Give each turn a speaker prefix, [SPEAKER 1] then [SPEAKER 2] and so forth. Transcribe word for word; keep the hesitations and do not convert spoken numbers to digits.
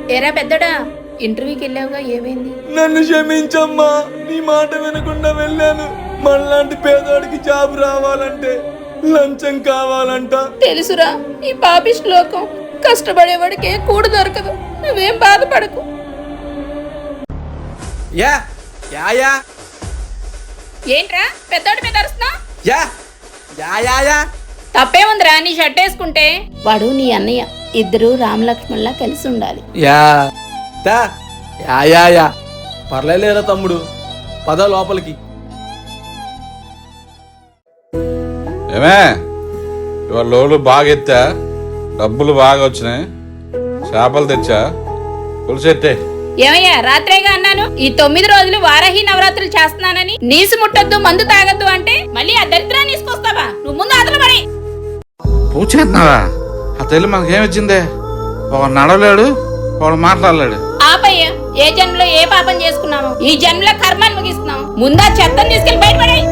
[SPEAKER 1] ఏరా పెద్దడా, ఇంటర్వ్యూకి వెళ్ళావుగా, ఏమైంది?
[SPEAKER 2] నన్ను క్షమించమ్మా, నీ మాట వినకుండా వెళ్ళాను. మనలాంటి పేదోడికి జాబ్ రావాలంటే లంచం కావాలంట.
[SPEAKER 1] తెలుసురా, ఈ పాపి శ్లోకం. కష్టపడేవాడికి కూడు దొరకదు. నువ్వేం బాధపడకు.
[SPEAKER 2] యా యా యా
[SPEAKER 1] ఏంట్రా పెద్దోడి మీద అరుస్తున్నావ్?
[SPEAKER 2] యా యా యా యా
[SPEAKER 1] తప్పేముందిరా నీ షర్ట్ వేసుకుంటే? వాడు నీ అన్నయ్య, ఇద్దరు రామలక్ష్మణ్లా కలిసి ఉండాలి.
[SPEAKER 2] యా తా యా యా యా పర్లేదురా తమ్ముడు, పద లోపలికి.
[SPEAKER 3] ఏమే ఇవాళ లోలు బాగా ఎత్తా, డబ్బులు బాగా వచ్చినాయి, చేపలు తెచ్చా, పులిసెట్టే.
[SPEAKER 1] ఏమయ్యా, రాత్రేగా అన్నాను ఈ తొమ్మిది రోజులు వారాహి నవరాత్రులు చేస్తున్నానని. నీసు ముట్టద్దు, మందు తాగద్దు అంటే మళ్ళీ ఆ దరిద్రాన్ని తీసుకొస్తావా? నువ్వు ముందు అదలు పడి.
[SPEAKER 3] పూజ చేస్తున్నావా? ఆ తల్లి మనకేమిచ్చిందే? ఒకడు నడవలేడు, ఒకడు మాట్లాడలేడు.
[SPEAKER 1] ఆపయ్యా, ఏ జన్మలో ఏ పాపం చేసుకున్నాము, ఈ జన్మలో కర్మాన్ని ముగిస్తున్నాం. ముందా చెత్తని తీసుకెళ్లి బయటపడే.